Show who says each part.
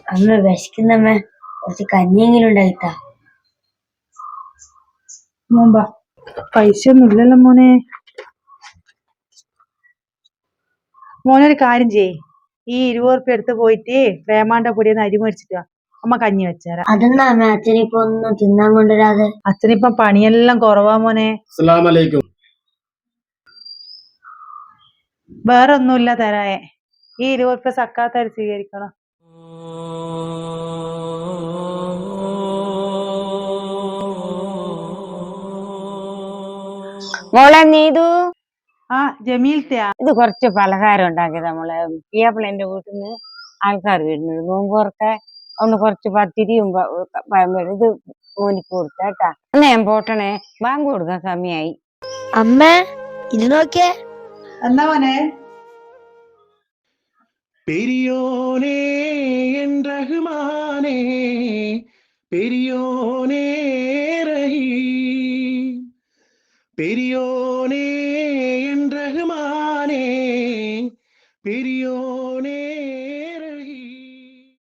Speaker 1: അമ്മ വിശക്കുന്നമ്മ, കുറച്ച് കഞ്ഞിയെങ്കിലും ഉണ്ടായിട്ടാ.
Speaker 2: മോമ്പാ പൈസ ഒന്നും ഇല്ലല്ലോ മോനെ. മോനൊരു കാര്യം ചെയ്യ്, ഈ 20 എടുത്ത് പോയിട്ട് പ്രേമാണ്ട പൊടിയെന്ന് അരി മേടിച്ചിട്ട് അമ്മ കഞ്ഞി വെച്ചേരാ.
Speaker 1: അതെന്നാ അമ്മ അച്ഛനിപ്പോ ഒന്നും തിന്നാൻ കൊണ്ടുവരാതെ?
Speaker 2: അച്ഛനിപ്പം പണിയെല്ലാം കുറവാ മോനെ.
Speaker 3: അസ്സലാമലൈക്കും.
Speaker 2: വേറെ ഒന്നുമില്ല തരായെ. ഈ 20 സക്കാത്തായി സ്വീകരിക്കണം.
Speaker 4: മോളെ നീതു,
Speaker 2: ആ ജമീൽത്തെയാ?
Speaker 4: ഇത് കുറച്ച് പലഹാരം ഉണ്ടാക്കിയതാ മോളെ. പിയാപ്പിളെന്റെ വീട്ടിൽ നിന്ന് ആൾക്കാർ വരുന്നുണ്ട് നോമ്പുറക്കെ. അതുകൊണ്ട് കുറച്ച് പത്തിരിയും ഇത് മോനിക്ക് കൊടുത്തേട്ടാ. എന്നാ ഞാൻ പോട്ടണേ, ബാങ്ക് കൊടുക്കാൻ സമയായി.
Speaker 1: അമ്മ ഇത് നോക്കിയേ.
Speaker 2: എന്നാ മോനെ?
Speaker 3: പെരിയോനേ എൻ റഹ്മാനേ, പെരിയോനേ റഹീം, പെരിയോനേ എൻ റഹ്മാനേ, പെരിയോനേ